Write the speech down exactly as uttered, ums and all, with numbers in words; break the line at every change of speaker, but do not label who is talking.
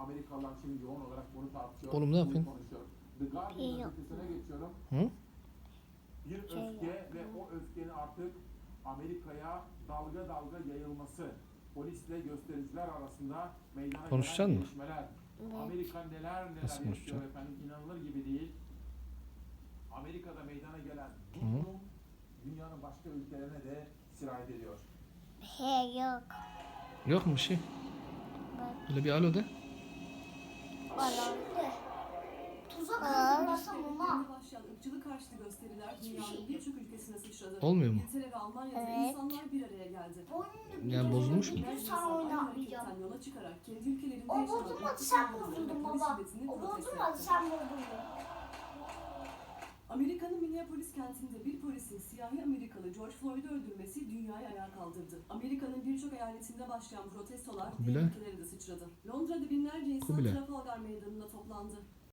Amerikalılar şimdi yoğun olarak bunu tartışıyor.
Oğlum ne yapıyorsun?
Konuşuyor. The Guardian gazetesine geçiyorum.
Hı?
Bir
Şey
öfke
yaptım.
ve o öfkenin artık Amerika'ya dalga dalga yayılması. Polisle göstericiler arasında meydana
Konuşacaksın
gelen
mı?
gelişmeler.
Evet.
Amerika neler neler
Nasıl
yaşıyor
konuşacaksın?
efendim, inanılır gibi değil. Amerika'da meydana gelen bu
Hı hı.
durum dünyanın başka ülkelerine de sirayet ediyor.
He yok.
Yok mu bir şey?
Bak.
Böyle bir alo de.
Falan.
Tuzak
Aa.
hazırlasam ama.
Ülkelerinde başlayan ırkçılık karşıtı gösteriler dünyanın birçok ülkesine sıçradı.
Olmuyor mu?
İngiltere ve Almanya'da
Evet.
insanlar bir araya geldi.
Oyunu
Yani bozulmuş mu?
bir gün sen oynamayacağım.
Hareketten yola çıkarak kendi ülkelerinde
O
yaşanan
bozulmadı
ırkçı
sen
saldırıları ve
bozuldun
polis
baba.
şiddetini
O
protesto
bozulmadı
etti.
sen bozuldun.
Amerika'nın Minneapolis kentinde bir polisin siyahi Amerikalı George Floyd'u öldürmesi dünyayı ayağa kaldırdı. Amerika'nın birçok eyaletinde başlayan protestolar diğer
Kubilay.
ülkelere de sıçradı. Londra'da binlerce insan
Kubilay.
Trafalgar Meydanı'nda toplandı.